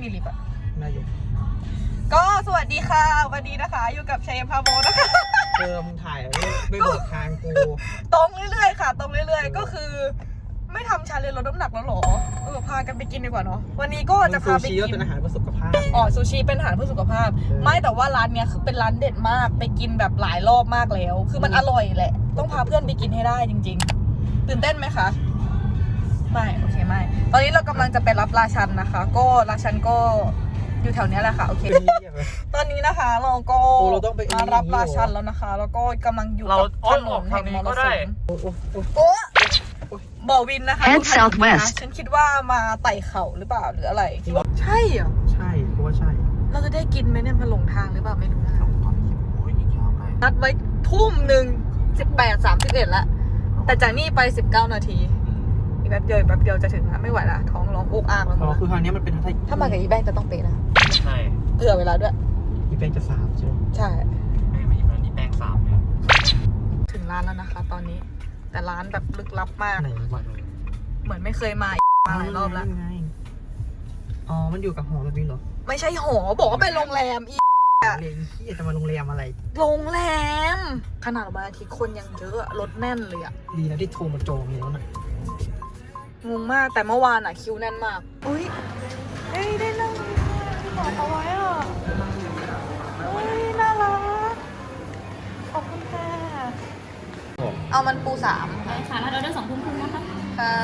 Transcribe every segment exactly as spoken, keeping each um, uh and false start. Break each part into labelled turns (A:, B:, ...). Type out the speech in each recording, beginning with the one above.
A: มีลิฟต์อะ
B: นายก
A: ก็สวัสดีค่ะวันนี้นะคะอยู่กับชัยพาโบนะคะ
B: เติมถ่ายไม่บอกทางกู
A: ตรงเรื่อยๆค่ะตรงเรื่อยๆก็คือไม่ทำชาเลนจ์ลดน้ำหนักแล้วหรอเออพากันไปกินดีกว่าเนาะวันนี้ก็จะพาไปกิน
B: เป็นอาหารเพื่อสุขภาพ
A: อ๋อซูชิเป็นอาหารเพื่อสุขภาพไม่แต่ว่าร้านเนี้ยคือเป็นร้านเด็ดมากไปกินแบบหลายรอบมากแล้วคือมันอร่อยแหละต้องพาเพื่อนไปกินให้ได้จริงๆตื่นเต้นไหมคะไม่โอเคไม่ตอนนี้เรากำลังจะไปรับราชันนะคะก็ราชันก็อยู่แถวนี้แหละค่ะโอเคตอนนี้นะคะเราก็มารับราชันแล้วนะคะแล้วก็กำลังอยู่กับถนนแห่งมรสุมโอ้บ่อวินนะคะฉันคิดว่ามาไต่เขาหรือเปล่าหรืออะไรใช่เหรอ
B: ใช่เพราะว่าใช่
A: เราจะได้กินไหมเนี่ยมันหลงทางหรือเปล่าไม่รู้นะนัดไว้ทุ่มหนึ่งสิบแปดสามสิบเอ็ดแล้วแต่จากนี่ไปสิบเก้านาทีอีกแป๊บเดียวแป๊บเดียวจะถึงแล้วไม่ไหวละท้องร้องอกอากแล้ว
B: อ๋อคือคราวนี้มันเป็น
A: ถ้ามากับอีแบงจะต้องเป๊ะนะ
C: ใช่
A: เผื่อเวลาด้วย
B: อีแบงจะสามใช่ไหม
A: ใช่
C: ไม่ไม่อีแบงสามเนี่ย
A: ถึงร้านแล้วนะคะตอนนี้แต่ร้านแบบลึกลับมาก
B: ไหนวะ
A: เหมือนไม่เคยมามาหลายรอบแล้ว
B: อ๋อมันอยู่กับหอแบบนี้เหรอ
A: ไม่ใช่หอบอกว่าเป็นโรงแรมอี
B: เรียนที่จะมาโรงแรมอะไร
A: โรงแรมขนาดวันอาทิตย์คนยังเยอะรถแน่นเลยอะ
B: ดีนะที่โทรมาจองแล้วนะ
A: งงมากแต่เมื่อวานอะคิวแน่นมากอุ้ยเอ้ยได้นั่งที่บอกเอาไว้อะอุ้ยน่ารักขอบคุณค่ะเอามันปูสาม
D: ใช่ค่ะแล้วเราได้สองทุ่มครึ่งนะคะ
A: ค่ะ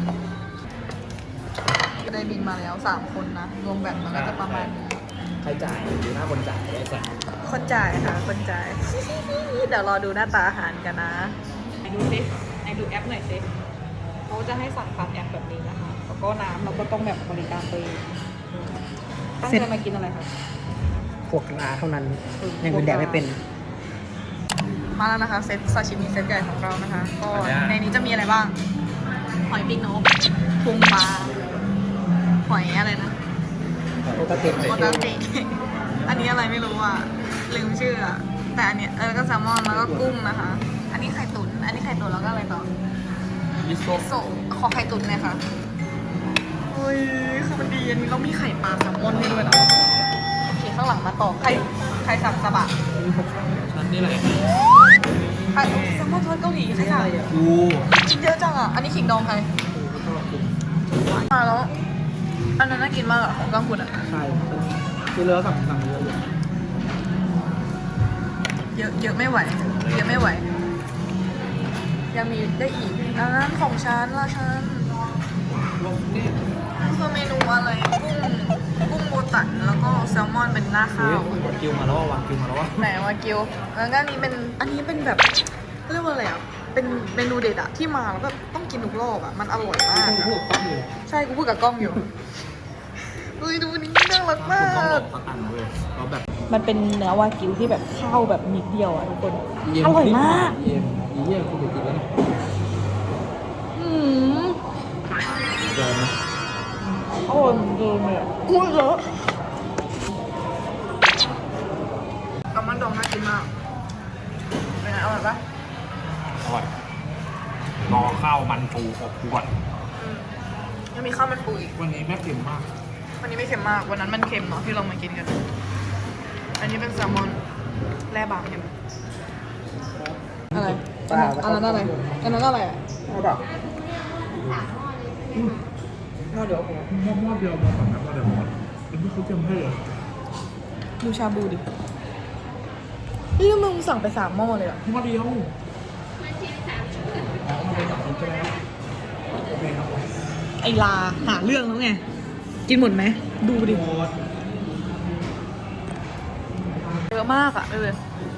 A: ได้บินมาแล้วสามคนนะรวมแบตมันก็จะประมาณนี้
C: ใครจ่ายดูหน้าคนจ่ายได้ก่อน
A: คนจ่ายค่ะคนจ่ายเดี๋ยวรอดูหน้าตาอาหารกันนะไหนดูซิไหนดูแอปหน่อยซิเขาจะให้สั่งผ่านแอปแบบนี้นะคะแล้วก็น้ำเราก็ต้องแบบบริการตัวเองตั้งใจมากินอะไรคะ
B: พวกร้านเท่านั้นยังเป็นแดกไม่เป็น
A: มาแล้วนะคะเซตซาชิมิเซตใหญ่ของเรานะคะก็ในนี้จะมีอะไรบ้างหอยปีกนกพุงปลาหอยอะไรนะ
B: โอตาเตะ
A: โอตาเตะอันนี้อะไรไม่รู้อ่ะลืมชื่ออ่ะแต่อันเนี้ยเออก็แซลมอนแล้วก็กุ้งนะคะอันนี้ไข่ตุ๋นอันนี้ไข่ตุ๋นแล้วก็อะไรต่อ
C: มิโซะ
A: ขอไข่ตุ๋นเลยค่ะเฮ้ยคือมันดีอันนี้เรามีไข่ปลาแซลมอนให้ด้วยนะโอเคข้างหลังมาต่อไข่ไข่สับสะบะ
C: ชั้นนี่อะไร
A: ไข่แซลมอนทอดเกาหลีใช่ค่ะ
C: ดู
A: ชิ้นเยอะจังอ่ะอันนี้ขิงดองใครมาแล้วอันนั้นน่ากินมากอ่ะของกังคุณอ่ะ
B: ใช่คือเรือสั่งสั่งเยอะ
A: เยอะเยอะไม่ไหวเยอะไม่ไหวยังมีได้อีกอันนั้นของฉันละฉันคือเมนูอะไรกุ้งกุ้งโบตันแล้วก็แซลมอนเป็นหน้าข้าว
C: วากิวมาแล้ววากิวมาแล้ววะ
A: ไหนวากิวแล้วก็อันนี้เป็นอันนี้เป็นแบบเรียกว่าอะไรอ่ะเป็นเมนูเด็ดอะที่มาแล้วแบบต้องกินทุกรอบอะมันอร่อยมากใช่กูพูดกับกล้องอยู่เฮ้ยดูนี่น่ารักมากมันเป็นเนื้อวากิวที่แบบเข้าแบบนิดเดียวอะทุกคนอร่อยมาก
B: เยี่ยมเยี่ยมคุณกินแล้ว
A: อืมอร่อยเหมือนเดิมเลยอุ้ยเยอะแซลมอนดองน่ากินมากเป็นไงอร่อยปะ
C: อร่อยรอข้าวมันปูอบขวด
A: ยังมีข้าวมันปูอีก
C: วันนี้ไม่เค็มมาก
A: วันนี้ไม่เค็มมากวันนั้นมันเค็มเนาะที่เรามากินกันอันนี้เป็นแซลมอนแร่บางเค็มอะไรอันนั้นอะไรอันนั้นอะไรอ่ะ
B: เอาแบบน่าเดี๋ยวผมมอดมอดเดียวมอดสองน้ำมอดเดียวมอดเป็นที่เขาเตรียมให้เหรอ
A: ดูชาบูดินี่มึงสั่งไปสามหม้อเลยอ่ะ
B: มอดเดียว
A: ไอลาหาเรื่องแล้วไงกินหมดไหมดูดิเยอะมากอะเลย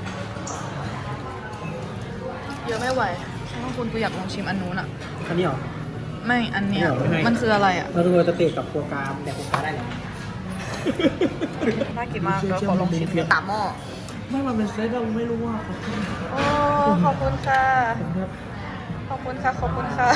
A: เยอะไม่ไหวบางคนกูอยากลองชิมอันนู้นอะ
B: อันนี้เหรอ
A: ไม่อันเนี้ยมันคืออะไรอะ
B: เราดูจะเตะกับโปรกราฟแต่โปรกราฟได้เหรอ
A: น่ากินมากแล้วขอลองชิมสามหม้อ
B: ไม่มันเป็นเซตเราไม่รู้ว่า
A: โอ้ขอบคุณค่ะขอบคุณค่ะขอบคุณค่ะ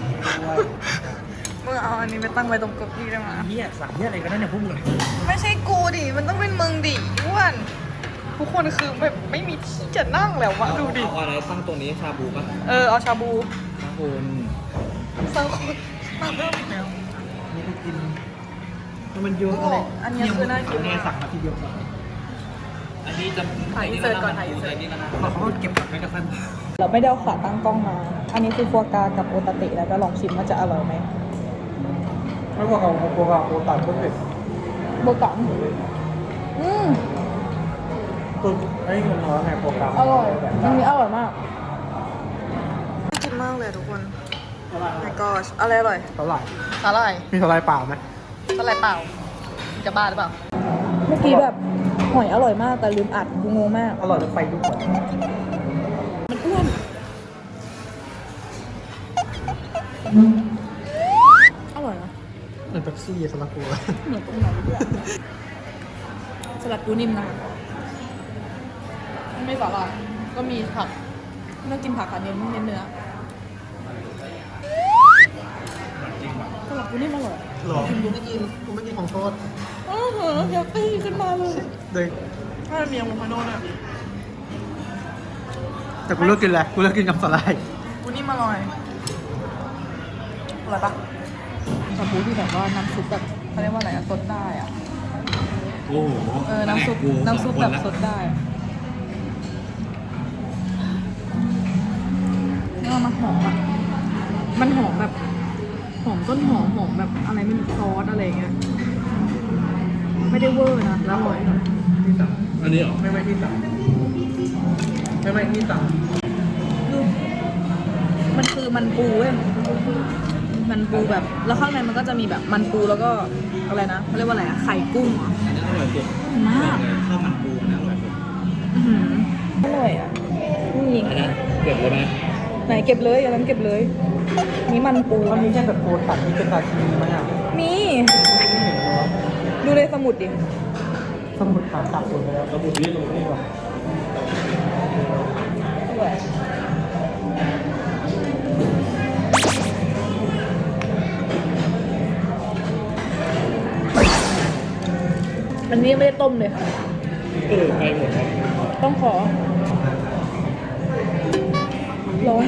A: มึงเอาอันนี้ไปตั้งไว้ตรงเก้าอี้ได้ไหม
B: เหี้ยสั่งเหี้ยอะไรกันเนี่ยพวกมึง
A: ไม่ใช่กูดิมันต้องเป็นมึงดิอ้วนทุกคนคือแบบไม่มีที่จะนั่งแล้ววะดูดิ
C: เอาอะไรตั้งตัวนี้ชาบูป่ะ
A: เออเอาชาบู
C: ชาบู
A: สังคนมาเริ่มอีกแล้ว
B: นี่ไปกิน
D: มันเยอะอะไร
A: อันนี้คือน่ากิน
D: เนี่ยสั่งมาทีเดียวก่อนอันนี้จะ
A: ถ่ายอินเสิร์ตก่อนถ่ายอินเสิร์ต
D: นี่นะเขาเก็บกับไม่ได้ค่อยมา
A: เราไม่ได้เอาขาตั้งกล้องมา อันนี้คือฟัวกรากับโอตาเตะแล้วก็ลองชิมว่าจะอร่อยไหม
D: ไม่ว่าเขาโกกาโกตัดก็เผ็ด
A: โบกังอืม
D: คือไอ้เงินน้อยไงโปรแกรม
A: อร่อยอันนี้อร่อยมากน่ากินมากเลยทุกคน my gosh อะไรอร่อย
D: เท่าไหร่
A: สาหร่าย
D: มีเท่าไหร่เปล่าไหม
A: สาหร่ายเปล่าจะบ้าหรือเปล่า เมื่อกี้แบบหอยอร่อยมากแต่ลืมอัดกูงงมาก
D: อร่อยจนไฟลุกเลย
A: มันอ้วน อร่อยนะ
D: เหมือนเป๊ปซี่สลัดกู
A: เหมือนตรงไหนด้วยสลัดปูนิ่มนะไม่สาหร่ายก็มีผักไม่ต้องกินผักค่ะเน้นเน้นเนื้อสลัดปูนิ่มอร่อย
D: หรอกูไม่กินกูไม่กินของทอด
A: อ้าวเหรอเฮลตี้ขึ้นมาเลย
D: เลย
A: ถ้ามีอะโวคาโดเนี่ย
D: แต่กูเลิกกินแล้วกูเลิกกินกับสลาย
A: ปูนิ่มอร่อยอร่อยปะสปูที่แบบว่าน้ำซุปแบบเขาเรียกว่าอะไรอะซดได้อะ
C: โอ้โห
A: เออ น้ำซุป น้ำซุปแบบซดได้แล้วมันหอมอ่ะ มันหอมแบบ หอมต้นหอมหอมแบบอะไรไม่รู้ซอสอะไรเงี้ย ไม่ได้เวอร์นะแล้วอร่อย
D: ที่สั่ง
C: อันนี้เหรอ
D: ไม่ไม่ที่สั่งไม่ไม่ที่สั่ง
A: ดูมันคือมันปูเว้ย มันปูแบบ แล้วข้างในมันก็จะมีแบบมันปูแล้วก็อะไรนะเขาเรียกว่าอะไรอะไข่กุ้งเหรอ
D: อันนี้อร่อยสุด
A: มาก
D: ข้าวมันปูอันนี้อร่อยสุด
A: อื้อหืออร่อยอ่ะนี่
D: อันนั้นเก็บเลยไหม
A: ไหนเก็บเลยอันนั้นเก็บเลย นี่มันปู
D: มันมีแค่แบบปูตัดที่เป็นตาชีไหมอ่ะ
A: มี
D: ไม่เห็นเลย
A: ดูในสมุดดิ
D: สมุดขาตัดหมดไปแล้วสมุดนี่สมุดนี่หรอ
A: สวยอันนี้ไม่ได้ต้มเลย
D: เออไปหมดแล้ว
A: ต้องขอ ร้อน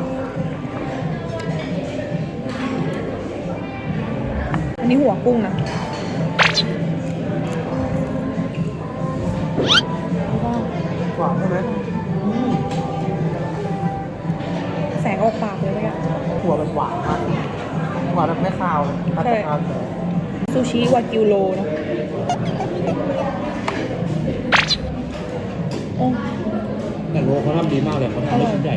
A: อันนี้หัวกุ้งนะ
D: หวานใช่ไหม
A: แสงออกปากเลยเมื่อกี้
D: หัวแบบหวานมากหวานแบบไม่คาวเลยตัดจากคาวเลย
A: ซูชิวากิวโลนะโอ้
C: แต่โลเขาทำดีมากเลยเขาทำได้ชิ้นใหญ่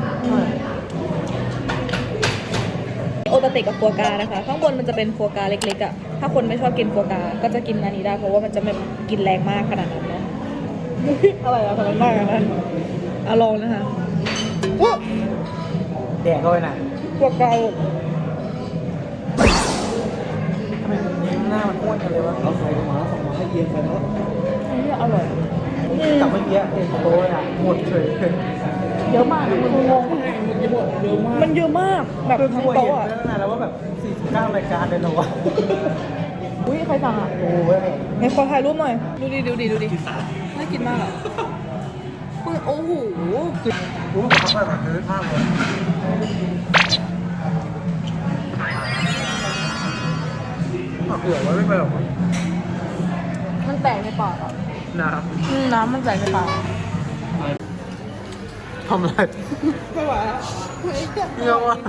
A: โอตาเตะกับฟัวกรานะคะ ข้างบนมันจะเป็นฟัวกราเล็กๆอ่ะ ถ้าคนไม่ชอบกินฟัวกราก็จะกินอันนี้ได้เพราะว่ามันจะไม่กินแรงมากขนาดนั้นเนาะ อะไรอะทำไมมากขนาดนั้นอะลองนะคะว้า
D: แดกก็ไปน่ะ
A: ฟัวกรา
D: ทำไมยิ้มหน้ามันอ้วนกันเลยวะเอาใส่ลงมาแล้วส่งมาให้เย็นไปแล้ว
A: อันนี้อร่อยอืม
D: แต่เมื่อกี้เต็มโต๊ะเลยอ่ะหมดเฉยเลย
A: เยอะมากมันงง
D: หมดเยอะมาก
A: มันเยอะมากแบบ
D: คือ
A: ทั้ง
D: คุย
A: โต๊ะ
D: เห็น
A: อ่ะ
D: ตั้งนานแล้วว่าแบบสี่สิบเก้ารายการเลยเหรอวะ
A: อุ้ยใครสั่งอ่ะ
D: โอ้ย
A: ไหนขอถ่ายรูปหน่อย ดูดิดูดิดูดิน่ากินมากอ่ะอุ๊ยโอ้โห
D: รู้ว่าเขาแบบเยอะมากเลยเผื่อไว้ไม่ไปหรอก
A: มันแตกในปากอ่ะ
D: น้
A: อืมน้ำมันแตกในปาก
D: ำทำอะไร
A: ไม่ไหวแล้ว
D: เยอะว่ะ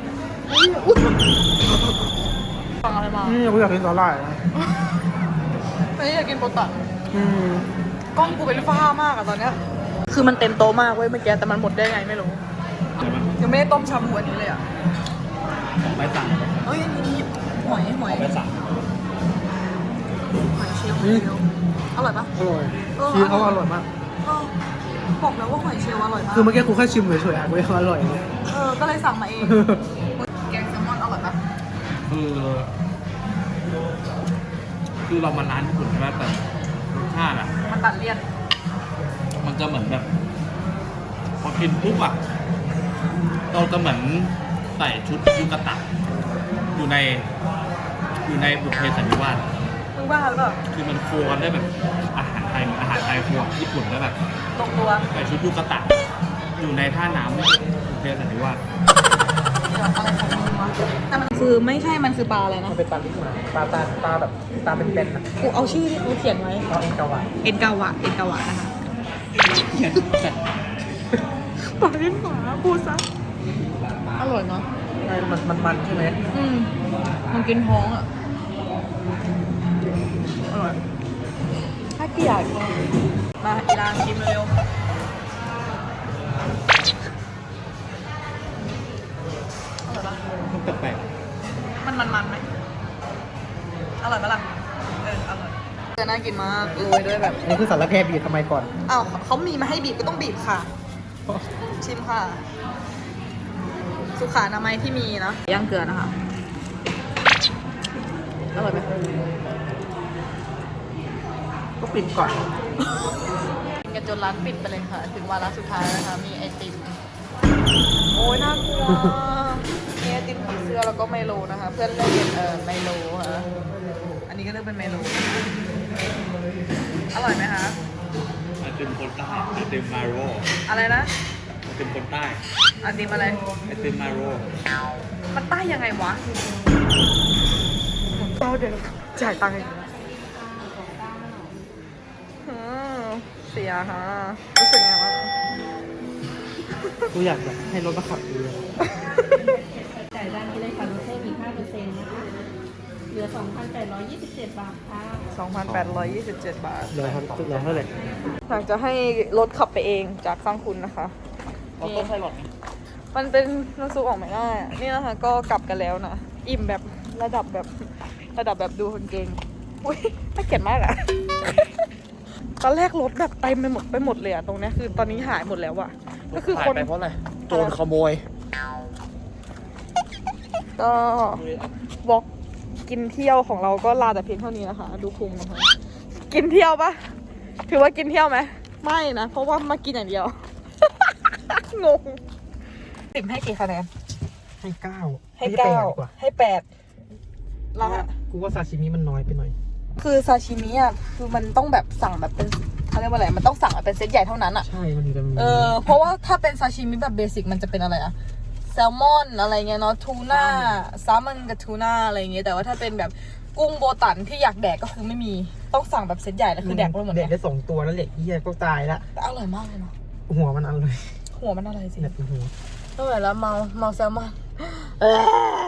A: ฟังอะไรมา
D: นี่กูอยากกินสาหร่ายนะ
A: ไม่อยากกินโปตัน
D: อืม
A: กล้องกูเป็นฟ้ามากอะตอนเนี้ยคือมันเต็มโต๊ะมากเว้ยเมื่อกี้แต่มันหมดได้ไงไม่รู้
C: ใช่ไหม
A: ยังไม่ได้ต้มชาบูอันนี้เลยอ่ะ
C: ไปสั่ง
A: เอ้ยอันนี้หอยหอย
C: ไปสั่ง
A: หอยเชลล์หอยเชลล์อร่อยปะ
D: อร่อยชีสเขาอร่อยมาก
A: เออบอกแล้วว่าหอยเชลล์อร่อยมาก
D: คือเมื่อกี้กูแค่ชิมเฉยๆอ่ะกูยังอร่อยเลย
A: เออก็เลยสั่งมาเองแกงแซลมอนอร่อยปะ
C: คือคือเรามาร้านญี่ปุ่นใช่ไหมแต่รสชาติอ่ะ
A: มันตัดเลี่ยน
C: มันจะเหมือนแบบ พอกินปุ๊บอ่ะเราจะเหมือนใส่ชุดยูกะตะอยู่ใน อยู่ในบุพเพสันนิวาส
A: มึงบ้าหรือเปล่า
C: คือมันโคกันได้แบบอาหารไทยอาหารไทยครัวญี่ปุ่นได้แบบ
A: ตรงตัว
C: ใส่ชุดยูกะตะอยู่ในท่าน้ำบุพเพสันนิวาส
A: อะไรของมึงวะแต่มันคือไม่ใช่มันคือปลาอะไรนะ
D: มันเป็นปลาลิ้นหมาปลาตาปลาแบบปลาเป็นๆนะ
A: กูเอาชื่อที่เขาเขียนไว้
D: เอาเองกาวะ
A: เอ็นกาวะเอ็นกาวะนะคะปลาลิ้นหมาพูดซะอร่อยเนาะ
D: ใช่มันมันมันใช่ไหม
A: อืมมันกินท้องอ่ะอร่อยถ้าเกลียดมาอีรานชิมเร็วอร่อยปะ
C: มันแปลก
A: มันมันมันไหมอร่อยปะล่ะเอออร่อยจะน่ากินมากโรยด้วยแบบ
D: อันนี้คือสารแพร่บีบทำไมก่อน
A: อ้าวเขามีมาให้บีบก็ต้องบีบค่ะ ชิมค่ะ สุขาอนามัยที่มีนะย่างเกลือนะคะอร่อยไหม
D: ก็ปิดก่อน
A: กินกันจนร้านปิดไปเลยค่ะ ถึงวาระสุดท้ายนะคะมีไอติมโอ้ยน่ากลัวมีไอติมผีเสื้อแล้วก็ไมโลนะคะ เพื่อนเลือกเป็นเออไมโลค่ะอันนี้ก็เลือกเป็นไมโลอร่อยไหมคะ
C: ๆไอติมคนใต้ไอติมมาโร
A: อะไรนะ
C: ไอติมคนใต้
A: ไอติมอะไร
C: ไอติมมาโร
A: มันใต้ยังไงวะเเดี๋ยวจ่ายตังค์อีกแล้วอืมเสียฮะรู้สึกไงบ้าง
D: กูอยากแบบให้รถมาขับดีอะ
E: จ่ายด้านนี้เลยค่ะลดเพิ่มอีกห้าเปอร์เซ็นต์นะคะ เหลือ สองพันแปดร้อยยี่สิบเจ็ด บาทค่ะ
A: สองพันแปดร้อยยี่สิบเจ็ด บาท
D: เหลือเท่าเหลือเท่าไหร่
A: อยากจะให้รถขับไปเองจากสร้างคุณนะคะ
D: ออโต้ไพลอต
A: มันเป็นน้ำซุปออกไม่ได้อะนี่นะคะก็กลับกันแล้วนะ อิ่มแบบระดับแบบระดับแบบดูคนเก่งอุ้ยน่าเกลียดมากอะ ตอนแรกรถแบบเต็มไปหมดไปหมดเลยอะตรงเนี้ยคือตอนนี้หายหมดแล้วอะก็คือ
D: หาย
A: คน
D: ไปเพราะอะไรโจรขโมย
A: ก็วอล์กกินเที่ยวของเราก็ลาแต่เพียงเท่านี้นะคะ ดูพุงนะคะกินเที่ยวปะถือว่ากินเที่ยวไหมไม่นะเพราะว่ามากินอย่างเดียว งงสิบให้กี่คะแนน
D: ให้เก้า
A: ให้เก้า
D: ดีกว่า
A: ให้แปดละ
D: กูว่าซาชิมิมันน้อยไปหน่อย
A: คือซาชิมิอ่ะคือมันต้องแบบสั่งแบบเป็นเขาเรียกว่าอะไรมันต้องสั่งแบบเป็นเซตใหญ่เท่านั้นอ่ะ
D: ใช่ มันถึงจะมี
A: เออเพราะว่าถ้าเป็นซาชิมิแบบเบสิกมันจะเป็นอะไรอะแซลมอนอะไรเงี้ยเนาะทูน่าแซลมอนกับทูน่าอะไรเงี้ยแต่ว่าถ้าเป็นแบบกุ้งโบตันที่อยากแดกก็คือไม่มีต้องสั่งแบบเซตใหญ่แล้วคือแดกไปหมด
D: เด็
A: เล
D: ก
A: ย
D: ได้สองตัวแล้วเหล็กเหี้ยก็ตายละ
A: แต่อร่อยมากเลยเนาะ
D: หัวมันอร่อย
A: หัวมันอะไรสิ
D: เนี่ยเป็นหัว
A: อร่อยแล้วเมาเมาแซลมอนเออ